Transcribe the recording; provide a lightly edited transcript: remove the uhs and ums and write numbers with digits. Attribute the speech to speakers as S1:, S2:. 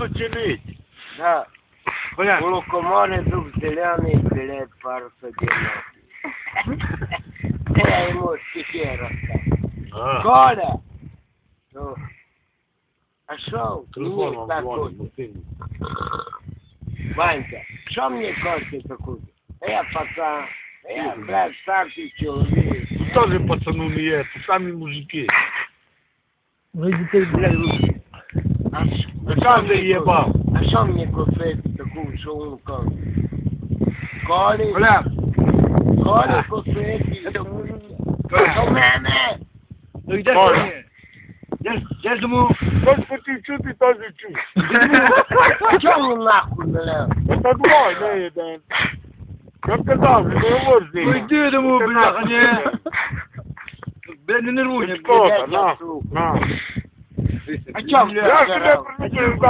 S1: починить.
S2: Да.
S1: Бля.
S2: У лукоморья дух зеленый, билет парус одинокий. Я ему стихи рассказал. Коля! Ну, а шо мне такой? Ванька, что мне кофе такой? Я пацан, я, блядь, старший человек.
S1: Тоже пацану не есть, сами мужики.
S3: Вы детей, блядь, лучше.
S1: Сам ты ебал.
S2: А что мне кофе такой, что он кофе? Коля,
S1: Бля.
S2: Коля кофе, у меня.
S3: Ну где
S1: Коля.
S3: же я думаю,
S1: Господи, что ты тоже чушь?
S2: А что он нахуй, блядь?
S1: Это двое, не один. Я сказал, не говори здесь.
S3: ну иди, я думаю, бляха, не. Бля, не нервуй.
S1: Сколько, на, на.
S2: А что,
S1: Я
S2: блядь,
S1: тебе предупреждал.